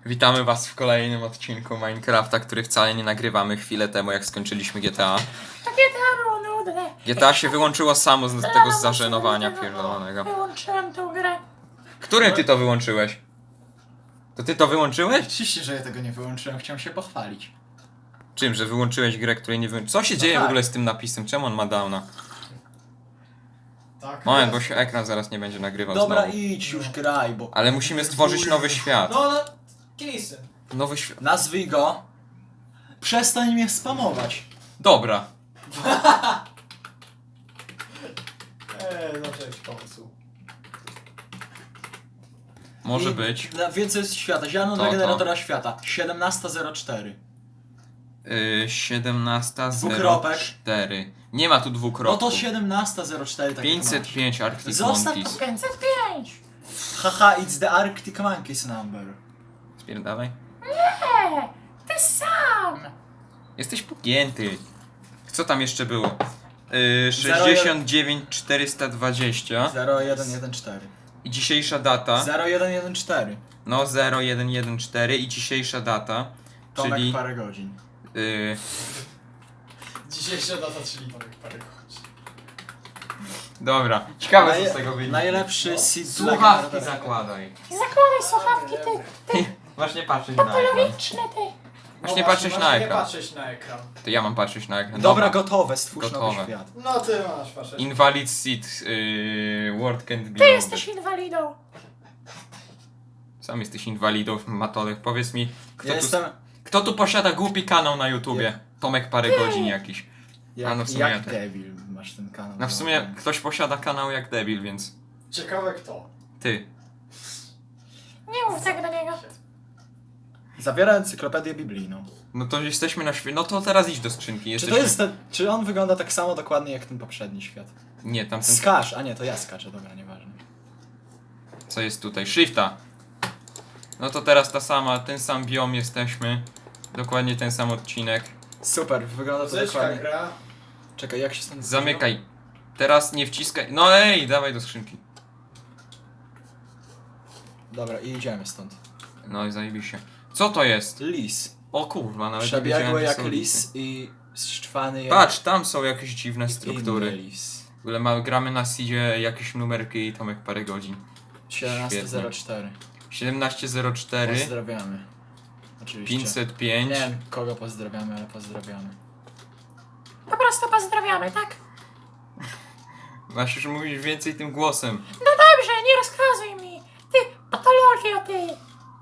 Witamy was w kolejnym odcinku Minecrafta, który wcale nie nagrywamy chwilę temu, jak skończyliśmy GTA. To GTA było nudne. GTA się wyłączyło samo z tego zażenowania pierdolonego. Wyłączyłem tą grę. Którym ty to wyłączyłeś? To ty to wyłączyłeś? Oczywiście, że ja tego nie wyłączyłem, chciałem się pochwalić. Czym, że wyłączyłeś grę, której nie wyłączyłeś? Co się dzieje w tak. ogóle z tym napisem? Czemu on ma downa? Tak. Moment, bo się ekran zaraz nie będzie nagrywał Dobra, znowu. idź już graj, bo... Ale musimy stworzyć nowy świat. No, Kilisy. Nowy świat. Nazwij go... Przestań mnie spamować. Dobra. No cześć, pomysł. Może I być. Więcej jest świata. Ziarno dla To. generatora świata. 17.04. 17.04. Nie ma tu No dwukropków. to 17.04 tak 505 Arctic Zostaw Monkeys. 505. Haha, it's the Arctic Monkeys number. Spierdalaj. Nie, ty sam. Jesteś pogięty. Co tam jeszcze było? 69 420 0114. i dzisiejsza data. 0114. No 0114 i dzisiejsza data. Tomek Czyli parę godzin. Dzisiejsza data, czyli Tomek parę godzin. dobra. Ciekawe co z tego wyjdzie. Najlepszy seed dla Słuchawki generatora. zakładaj. Zakładaj słuchawki, ty. Właśnie patrzeć na ekran. Patologiczny, ty. Właśnie patrzeć na Nie ekran. patrzeć na ekran. To ja mam patrzeć na ekran. Dobra, gotowe, stwórz Gotowe. nowy świat. No ty masz patrzeć. Invalid seat. Word can't be Ty loaded. jesteś inwalidą. Sam jesteś inwalidą, Matolek. Powiedz mi, Ja jestem kto tu posiada głupi kanał na YouTubie? Ja. Tomek parę godzin jakiś. jak, no w sumie jak ja też. debil masz ten kanał. No w sumie ktoś posiada kanał jak debil, więc Ciekawe kto. ty. Nie mów tak do niego. Zawiera encyklopedię biblijną. No to jesteśmy na świecie. No to teraz idź do skrzynki. Czy Jesteśmy... to jest ten, czy on wygląda tak samo dokładnie jak ten poprzedni świat? Nie, tamten... Skacz, a nie, to ja skaczę, dobra, nieważne. Co jest tutaj? Shifta. No to teraz ten sam biom jesteśmy. Dokładnie ten sam odcinek. Super, wygląda to Muzyczka dokładnie. gra. Czekaj, jak się stąd Zamykaj. Teraz nie wciskaj. No ej, dawaj do skrzynki. Dobra, i idziemy stąd. No i zajebiście. Co to jest? Lis. O kurwa, nawet nie Przebiegły wiedziałem, że jak są lis lisy. i szczwany jak Patrz, tam są jakieś dziwne inny struktury. lis. W ogóle gramy na seedzie jakieś numerki i Tomek parę godzin. 17.04. 1704 Pozdrawiamy. Oczywiście. 505. Nie wiem kogo pozdrawiamy, ale pozdrawiamy. Po prostu pozdrawiamy, tak? Masz już mówić więcej tym głosem. No dobrze, nie rozkazuj mi. Ty, patologio, ty.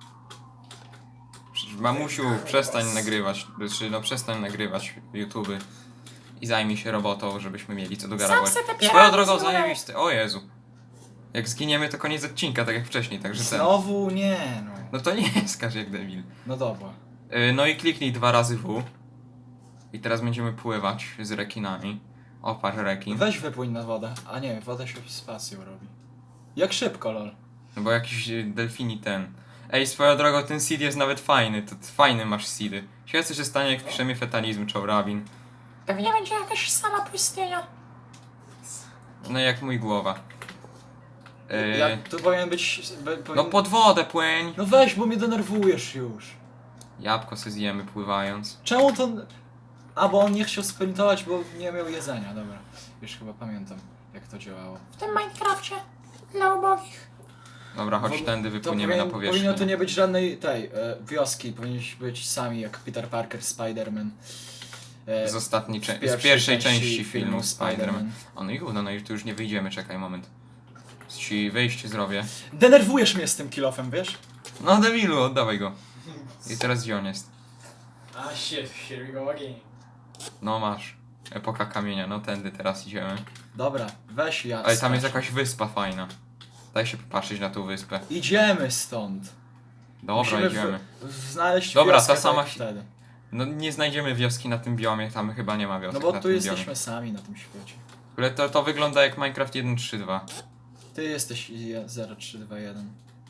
Mamusiu, przestań nagrywać. Znaczy, no przestań nagrywać YouTube. I zajmij się robotą, żebyśmy mieli co do Sam garażu. se te Swoją piramidy drogą zbudowałeś. zajebisty. O Jezu. Jak zginiemy to koniec odcinka, tak jak wcześniej, także ten. Znowu nie, no. No to nie skaż jak debil. No dobra. No i kliknij 2 razy W. I teraz będziemy pływać z rekinami. O, patrz rekin. Weź wypłyń na wodę. A nie, woda się spacją robi. Jak szybko, lol. No bo jakiś delfini ten. Ej, swoją drogą ten seed jest nawet fajny. To fajny masz seedy. Ciekawe co się stanie jak wpiszemy fetalizm czy rabin. Pewnie będzie jakaś sama pustynia. No jak mój głowa. Jak to powinien być... No pod wodę płyń. No weź, bo mnie denerwujesz już. Jabłko se zjemy pływając. Czemu to... A, bo on nie chciał sprintować, bo nie miał jedzenia, dobra. Już chyba pamiętam, jak to działało. W tym Minecrafcie. Dla ubogich. Dobra, chodź Bo- tędy To wypłyniemy na powierzchnię. powinno tu nie być żadnej tej wioski, powinniśmy być sami jak Peter Parker, Spider-Man. Z ostatniej z pierwszej części filmu Spider-Man. O no i gówno, no i tu już nie wyjdziemy, czekaj moment. Ci wyjście zrobię. Denerwujesz mnie z tym kilofem, wiesz? No debilu, oddawaj go. I teraz gdzie on jest? A shit, here we go again. No masz. Epoka kamienia, no tędy teraz idziemy. Dobra, weź ja. Ale tam jest skacz. jakaś wyspa fajna. Daj się popatrzeć na tą wyspę. Idziemy stąd. Dobra, Musimy idziemy. Znaleźć Dobra, wioskę ta sama tak wtedy. No nie znajdziemy wioski na tym biomie, tam chyba nie ma wioski No bo na tu tym jesteśmy biomie. sami na tym świecie. Ale to wygląda jak Minecraft 1.3.2. Ty jesteś 0321.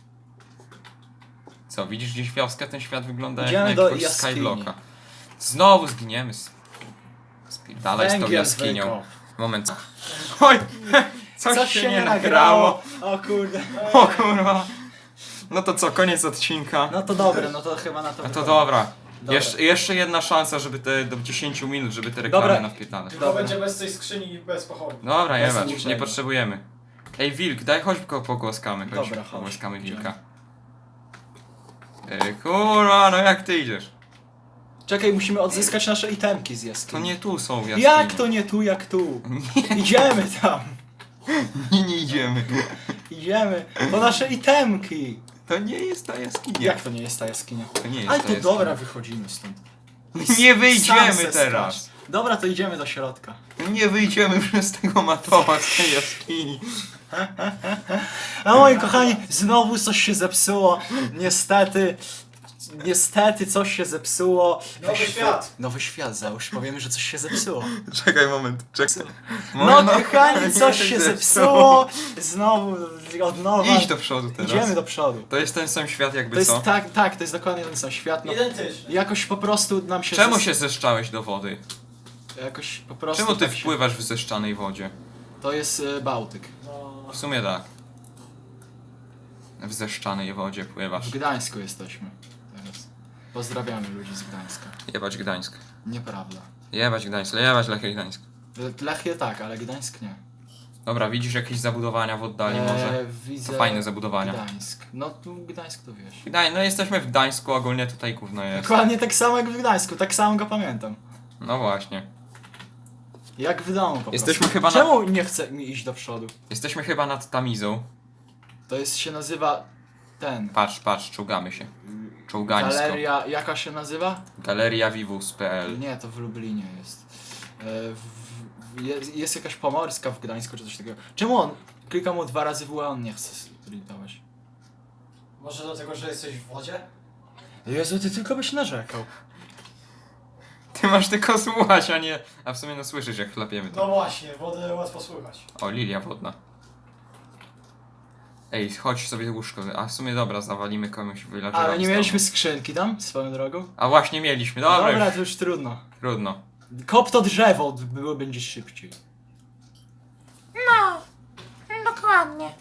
Co, widzisz gdzieś wioskę? Ten świat wygląda Idziemy jak do jakiegoś jaskini. Skyblocka. Znowu zginiemy. Spierdalaj z tą Węgiel jaskinią. zwykł. Moment. Oj! Coś się nie nagrało. O kurde. O kurwa. No to co, koniec odcinka. No to dobre, no to chyba na to No to wychodzi. dobra. Dobra. Jeszcze jedna szansa, żeby te do 10 minut, żeby te Dobra. reklamy nawpierdalać. Tylko Dobra. będzie bez tej skrzyni i bez pochodni. Dobra, Bez jebać, niczego. nie potrzebujemy. Ej, wilk, daj chodź go pogłaskamy, chodź. Dobra, chodź. Pogłaskamy Idziemy. wilka. Kurwa, no jak ty idziesz? Czekaj, musimy odzyskać nasze itemki z To jaskini. nie tu są jaskinie. Jak to nie tu, jak tu? Idziemy tam. Nie idziemy. Idziemy po nasze itemki. To nie jest ta jaskinia. Jak to nie jest ta jaskinia? To nie jest Ale ta to jaskinia. dobra, wychodzimy stąd. Nie wyjdziemy Sam se teraz. skacz. Dobra, to idziemy do środka. Nie wyjdziemy przez tego matowa z tej jaskini. A moi kochani, znowu coś się zepsuło. Niestety coś się zepsuło. Nowy świat. Nowy świat, załóż. Powiemy, że coś się zepsuło. Czekaj moment, czekaj. No kochani, coś się zepsuło. Znowu, od nowa. Idź do przodu teraz. Idziemy do przodu. To jest ten sam świat jakby To jest co? tak, to jest dokładnie ten sam świat. No, Identyczny. jakoś po prostu nam się... Czemu się zeszczałeś do wody? Jakoś po prostu... Czemu ty tak się- wpływasz w zeszczanej wodzie? To jest Bałtyk. No. W sumie tak. W zeszczanej wodzie pływasz. W Gdańsku jesteśmy teraz. Pozdrawiamy ludzi z Gdańska. Jebać Gdańsk. Nieprawda. Jebać Gdańsk, jebać Lechia Gdańsk. Lechie tak, ale Gdańsk nie. Dobra, widzisz jakieś zabudowania w oddali może? Widzę... To fajne zabudowania. Gdańsk. No tu Gdańsk to wiesz. No jesteśmy w Gdańsku, ogólnie tutaj gówno jest. Dokładnie tak samo jak w Gdańsku, tak samo go pamiętam. No właśnie. Jak w domu po Jesteśmy prostu. chyba na- Czemu nie chce mi iść do przodu? Jesteśmy chyba nad Tamizą. To jest, się nazywa... ten... Patrz, czołgamy się. Czołgańsko. Galeria... jaka się nazywa? Galeria Vivus.pl. Nie, to w Lublinie jest. Jest jakaś pomorska w Gdańsku czy coś takiego. Czemu on? Klikam mu 2 razy w a on nie chce sprintować. Może dlatego, że jesteś w wodzie? Jezu, ty tylko byś narzekał. Ty masz tylko słuchać, a nie... A w sumie no słyszysz jak chlapiemy to. No właśnie, wodę łatwo słychać. O, lilia wodna. Ej, chodź sobie łóżko. A w sumie dobra, zawalimy komuś villagerowi. Ale nie z mieliśmy domu. skrzynki tam, swoją drogą? A właśnie mieliśmy, dobra, Dobra, już. to już trudno. Trudno. Kop to drzewo, było będzie szybciej. No, dokładnie.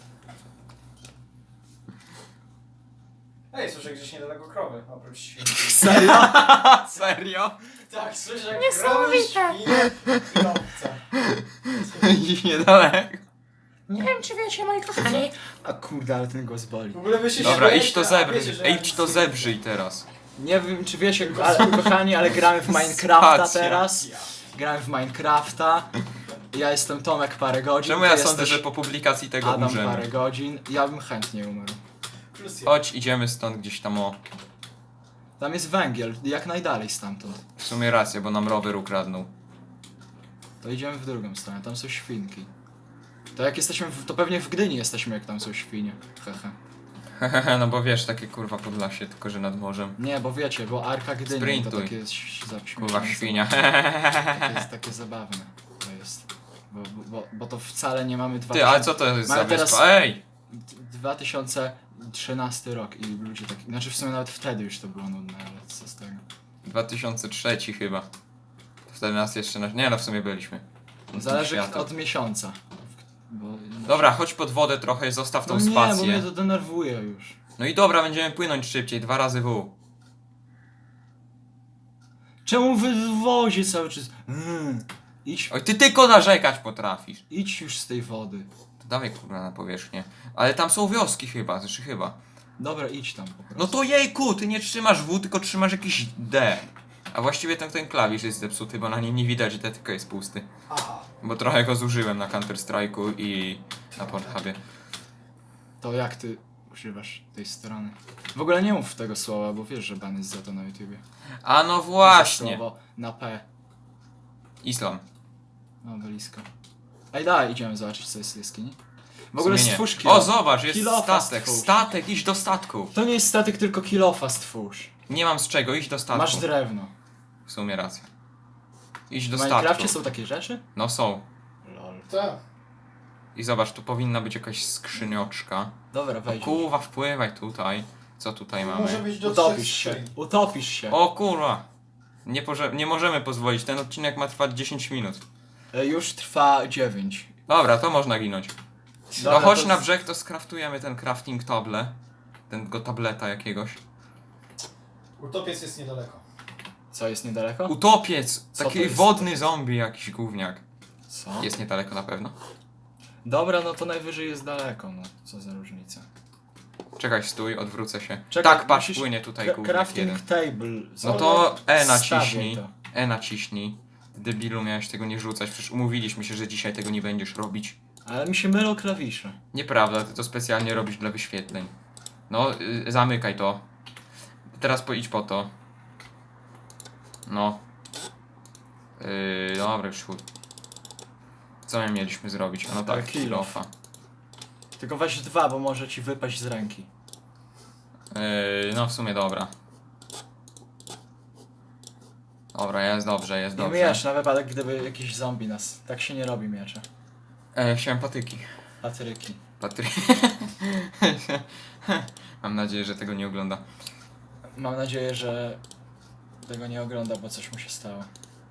Ej, słyszę gdzieś niedaleko krowy, oprócz świn. Serio? Serio? Tak, słyszę jak Niesamowite. krowy, świnie i owce. Gdzieś niedaleko. Nie wiem, czy wiecie, moi kochani, A kurde, ale ten głos boli. W ogóle wy się Dobra, śmiejecie, idź to a zebrzyj. wiecie, że Ej, ja idź nic to nie zebrzyj teraz. Nie wiem czy wiecie, ale kochani, ale gramy w Minecrafta Spacja. teraz. Ja. Gramy w Minecrafta. Ja jestem Tomek parę godzin. Czemu ty ja sądzę, jesteś że po publikacji tego Adam umrzemy? parę godzin. Ja bym chętnie umarł. Plus jeden. Chodź, idziemy stąd gdzieś tam o... Tam jest węgiel, jak najdalej stamtąd. W sumie racja, bo nam rower ukradnął. To idziemy w drugą stronę, tam są świnki. To jak jesteśmy, to pewnie w Gdyni jesteśmy, jak tam są świnie. Hehe. Hehehe, no bo wiesz, takie kurwa Podlasie, tylko że nad morzem. Nie, bo wiecie, bo Arka Gdyni to Sprintuj. takie jest Kurwa świnia. To jest takie zabawne. To jest. Bo to wcale nie mamy 2000... Ty, ale co to jest za Mamy teraz- wyspa? Ej! 2013 rok i ludzie tak... Znaczy w sumie nawet wtedy już to było nudne, ale co z tego. 2003 chyba. To wtedy nas jeszcze... Nie no, w sumie byliśmy. Zależy Światło. od miesiąca. Bo... Dobra, chodź pod wodę trochę, zostaw tą No nie, bo spację. mnie to denerwuje już. No i dobra, będziemy płynąć szybciej, 2 razy W. Czemu wy w wozie cały czas? Idź, Oj, ty tylko narzekać potrafisz. idź już z tej wody. To dawaj kurwa na powierzchnię. Ale tam są wioski chyba, znaczy chyba. Dobra, idź tam po prostu. No to jejku, ty nie trzymasz W, tylko trzymasz jakiś D. A właściwie ten klawisz jest zepsuty, bo na nim nie widać, że D tylko jest pusty. Aha. Bo trochę go zużyłem na Counter Strike'u i na Pornhubie. To jak ty używasz tej strony? W ogóle nie mów tego słowa, bo wiesz, że ban jest za to na YouTubie. A no Za właśnie. Słowo na P. Islam. No, blisko. Ej, daj, idziemy zobaczyć, co jest w jaskini. W W ogóle sumie nie. stwórz O, zobacz, jest Kilofa statek. stwórz. Statek, idź do statku. To nie jest statek, tylko kilofa stwórz. Nie mam z czego, idź do statku. Masz drewno. W sumie racja. Idź do W Minecrafcie statku. są takie rzeczy? No są. Lol. Tak. I zobacz, tu powinna być jakaś skrzynioczka. Dobra, No wejdź. kurwa, wpływaj tutaj. Co tutaj Może mamy? być do Utopisz 3 się. skrzyń. Utopisz się. O kurwa. Nie możemy pozwolić, ten odcinek ma trwać 10 minut. Już trwa 9. Dobra, to można ginąć. No Dobra, chodź to na brzeg, to skraftujemy ten crafting table. tego tableta jakiegoś. Utopiec jest niedaleko. Co, jest niedaleko? Utopiec! Co Taki to jest wodny utopiec? zombie jakiś gówniak. Co? Jest niedaleko na pewno. Dobra, no to najwyżej jest daleko, no. Co za różnica. Czekaj, stój, odwrócę się. Czekaj, Tak, patrz, musisz- płynie tutaj gówniak Crafting jeden. table. No to E Stawiaj naciśnij. to. E naciśnij. Ty debilu, miałeś tego nie rzucać. Przecież umówiliśmy się, że dzisiaj tego nie będziesz robić. Ale mi się mylą klawisze. Nieprawda, ty to specjalnie robisz dla wyświetleń. No, zamykaj to. Teraz idź po to. No. Dobra, już chuj. Co my mieliśmy zrobić? A no tak, Kill off. kill-offa. Tylko weź 2, bo może ci wypaść z ręki. No w sumie dobra. Dobra, jest dobrze, jest I dobrze. miecz na wypadek, gdyby jakiś zombie nas... Tak się nie robi miecze. Chciałem patyki. Patryki. Mam nadzieję, że tego nie ogląda. Mam nadzieję, że tego nie ogląda, bo coś mu się stało.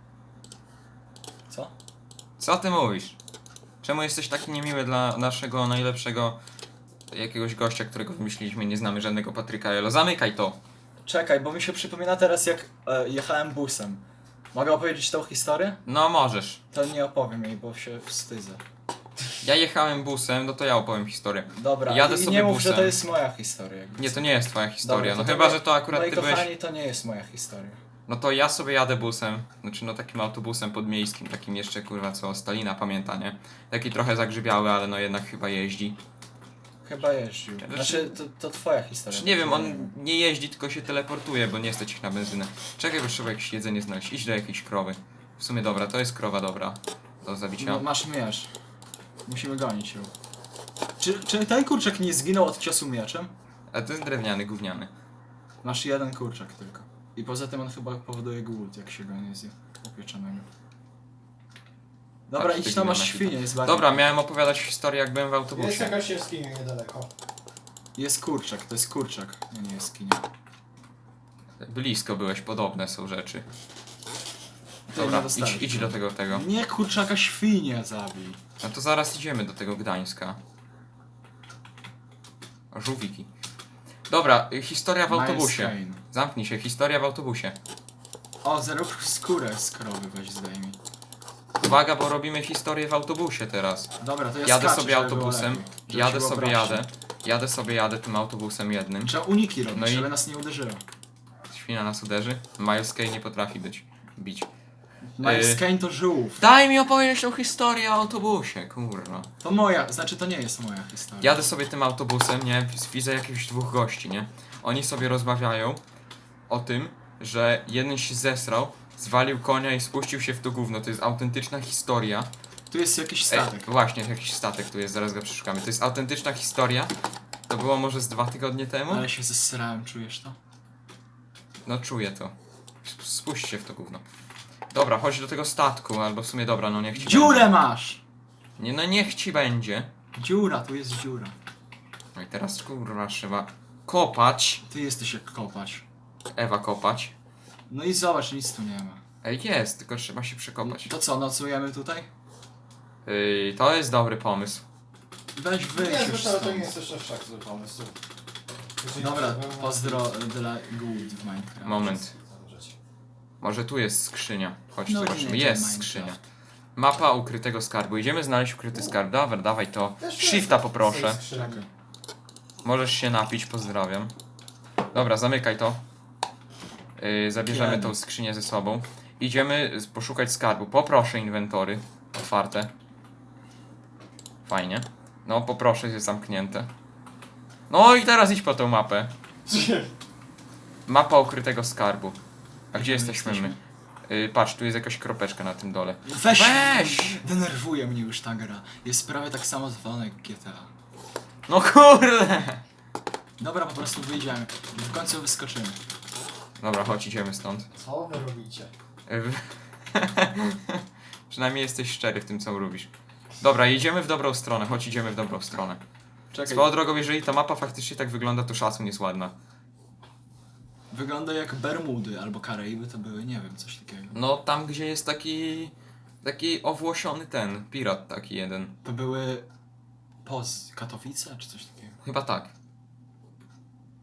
Co? Co ty mówisz? Czemu jesteś taki niemiły dla naszego najlepszego jakiegoś gościa, którego wymyśliliśmy? Nie znamy żadnego Patryka Elo. Zamykaj to! Czekaj, bo mi się przypomina teraz, jak jechałem busem. Mogę opowiedzieć tą historię? No możesz. To nie opowiem jej, bo się wstydzę. Ja jechałem busem, no to ja opowiem historię. Dobra, Jadę i sobie nie mów, busem. że to jest moja historia. jakby Nie, co. to nie jest twoja historia. Dobra, No to chyba, nie- że to akurat moi ty byłeś... kochani, to nie jest moja historia. No to ja sobie jadę busem, znaczy no takim autobusem podmiejskim, takim jeszcze kurwa co Stalina pamięta, nie? Taki trochę zagrzybiały, ale no jednak chyba jeździ. Chyba jeździł. Znaczy, to twoja historia. Znaczy nie wiem, on nie jeździ, tylko się teleportuje, bo nie stać ich na benzynę. Czekaj, bo trzeba jakieś jedzenie znaleźć. Idź do jakiejś krowy. W sumie dobra, to jest krowa dobra. Do zabicia. No, masz miecz. Musimy gonić ją. Czy ten kurczak nie zginął od ciosu mieczem? A to jest drewniany, gówniany. Masz jeden kurczak tylko. I poza tym on chyba powoduje głód, jak się go nie zje upieczonego. Dobra, Patrz, idź ty tam, masz gniona świnię, jest bardzo. Dobra, miałem opowiadać historię, jak byłem w Jest autobusie. jakaś jaskinia niedaleko. Jest kurczak, to jest kurczak. Nie jaskinia. Blisko byłeś, podobne są rzeczy. Ty Dobra, nie dostałeś. idź do tego. Nie kurczaka, świnię zabij. No to zaraz idziemy do tego Gdańska. Żółwiki. Dobra, historia w autobusie. Miles Kane. Zamknij się, historia w autobusie. O, zero skórę z krowy weź zdejmij. Uwaga, bo robimy historię w autobusie teraz. Dobra, to ja Jadę skaczę, sobie żeby było autobusem, lepiej, żeby się było prościej. jadę tym autobusem jednym. Trzeba uniki robić, No i- żeby nas nie uderzyło. Świna nas uderzy. Miles Kane nie potrafi bić. Miles Kane to żółw. Daj mi opowiedzieć tą historię o autobusie, kurwa. To moja, znaczy to nie jest moja historia. Jadę sobie tym autobusem, nie? Widzę jakichś dwóch gości, nie? Oni sobie rozmawiają o tym, że jeden się zesrał, zwalił konia i spuścił się w to gówno. To jest autentyczna historia. Tu jest jakiś statek. Właśnie, jakiś statek tu jest, zaraz go przeszukamy. To jest autentyczna historia. To było może z 2 tygodnie temu? Ale się zesrałem, czujesz to? No czuję to. Spuść się w to gówno. Dobra, chodź do tego statku, albo w sumie dobra, no niech ci Dziurę będzie. masz! Nie, no niech ci będzie. Dziura, tu jest dziura. No i teraz kurwa trzeba kopać. Ty jesteś jak kopać. Ewa kopać. No i zobacz, nic tu nie ma. Ej, jest, tylko trzeba się przekopać. To co, nocujemy tutaj? To jest dobry pomysł. Weź wyjść Nie, już zresztą to stąd. nie jest też aż tak zły pomysł. Jeżeli Dobra, nie byłem- pozdro dla głód w Minecraft. Moment. Może tu jest skrzynia. Chodź, No zobaczymy. nie, to Jest Minecraft. skrzynia. Mapa ukrytego skarbu. Idziemy znaleźć ukryty skarb. Dobra, dawaj to. Też Shifta jest poproszę. z skrzyni. Czekaj. Możesz się napić, pozdrawiam. Dobra, zamykaj to. Zabierzemy Kiedy? tą skrzynię ze sobą. Idziemy poszukać skarbu. Poproszę inwentory. Otwarte. Fajnie. No, poproszę, jest zamknięte. No i teraz idź po tą mapę. Mapa ukrytego skarbu. A gdzie jesteśmy my? Patrz, tu jest jakaś kropeczka na tym dole. Weź! Denerwuje mnie już ta gra. Jest prawie tak samo zwalona jak GTA. No kurde! Dobra, po prostu wyjdziemy. W końcu wyskoczymy. Dobra, chodź, idziemy stąd. Co wy robicie? Przynajmniej jesteś szczery w tym, co robisz. Dobra, idziemy w dobrą stronę, chodź, idziemy w dobrą stronę. Czekaj, Swoją drogą, jeżeli ta mapa faktycznie tak wygląda, to szacun jest ładna. wygląda jak Bermudy albo Karaiby to były, nie wiem, coś takiego. No, tam gdzie jest taki owłosiony ten, pirat taki jeden. To były Katowice czy coś takiego. Chyba tak.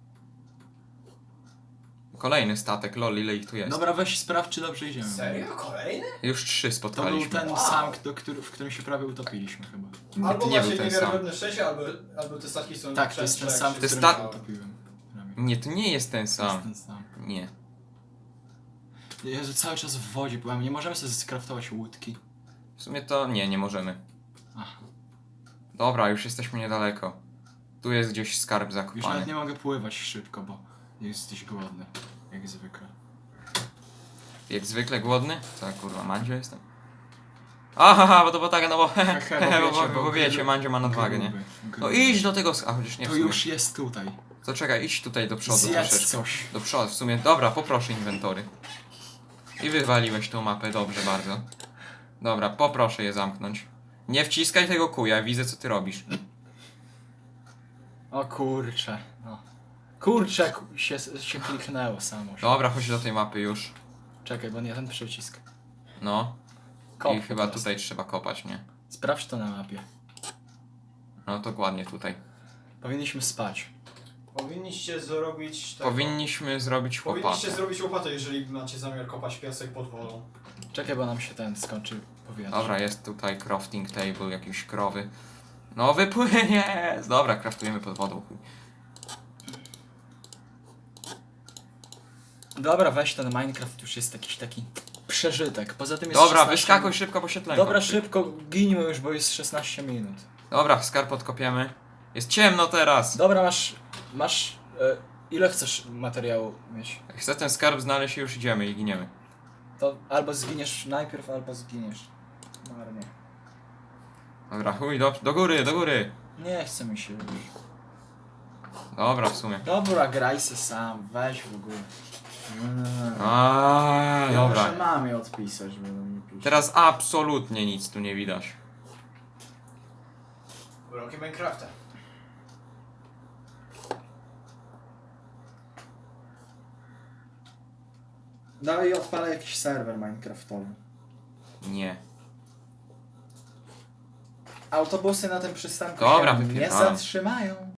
Kolejny statek, lol, ile ich tu jest? Dobra, weź sprawdź, czy dobrze idziemy. Serio? Kolejny? Już 3 To był spotkaliśmy. ten sam, w którym się prawie utopiliśmy chyba. Albo to nie był macie ten sam. niewiarygodne szczęście, albo te statki są Tak, to jest ten częstsze, sam, jak w To jest którym ta- się utopiłem. Prawie. Nie, to nie jest ten To jest sam. ten sam. Nie. Jezu, cały czas w wodzie byłem, nie możemy sobie skraftować łódki. W sumie to nie możemy. Aha. Dobra, już jesteśmy niedaleko. Tu jest gdzieś skarb Już zakopany. nawet nie mogę pływać szybko, bo jesteś głodny. Jak zwykle. Jak zwykle głodny? Co kurwa, Mandzio jestem? Aha, bo tak, no bo bo wiecie, Mandzio ma nadwagę, nie? Gruby, No gruby. idź do tego a chociaż nie w To sumie. już jest tutaj. To czekaj, idź tutaj do przodu Zjedz troszeczkę. coś. Do przodu, w sumie, dobra, poproszę inwentory. I wywaliłeś tą mapę, dobrze bardzo. Dobra, poproszę je zamknąć. Nie wciskaj tego kuja, widzę co ty robisz. O kurcze. No. Kurczę, się kliknęło samo. Dobra, chodź do tej mapy już. Czekaj, bo nie ten przycisk. No. Kop I po chyba prostu. tutaj trzeba kopać, nie? Sprawdź to na mapie. No dokładnie tutaj. Powinniśmy spać. Powinniście zrobić... Powinniśmy zrobić Powinniście łopatę. zrobić łopatę, jeżeli macie zamiar kopać piasek pod wodą. Czekaj, bo nam się ten skończy powietrze. Dobra, jest tutaj crafting table, jakieś krowy. No wypłynie! Dobra, craftujemy pod wodą. chuj. Dobra, weź ten Minecraft, już jest jakiś taki przeżytek. Poza tym jest Dobra, 16 wyskakuj szybko, bo się tlen Dobra, kończy. szybko, ginimy już, bo jest 16 minut. Dobra, skarb odkopiemy. Jest ciemno teraz! Dobra, masz ile chcesz materiału mieć? Chcę ten skarb znaleźć i już idziemy i giniemy. To albo zginiesz najpierw, albo zginiesz. Marnie. Dobra, chuj, do góry, do góry! Nie chce mi się już. Dobra, w sumie. Dobra, graj se sam, weź w ogóle. A, Ja muszę dobra. mamie odpisać, bo mi pisze. Teraz absolutnie nic tu nie widać. Uroki Minecrafta. No i odpalę jakiś serwer minecraftowy. Nie. Autobusy na tym przystanku Dobra, się nie wypierdalam. zatrzymają.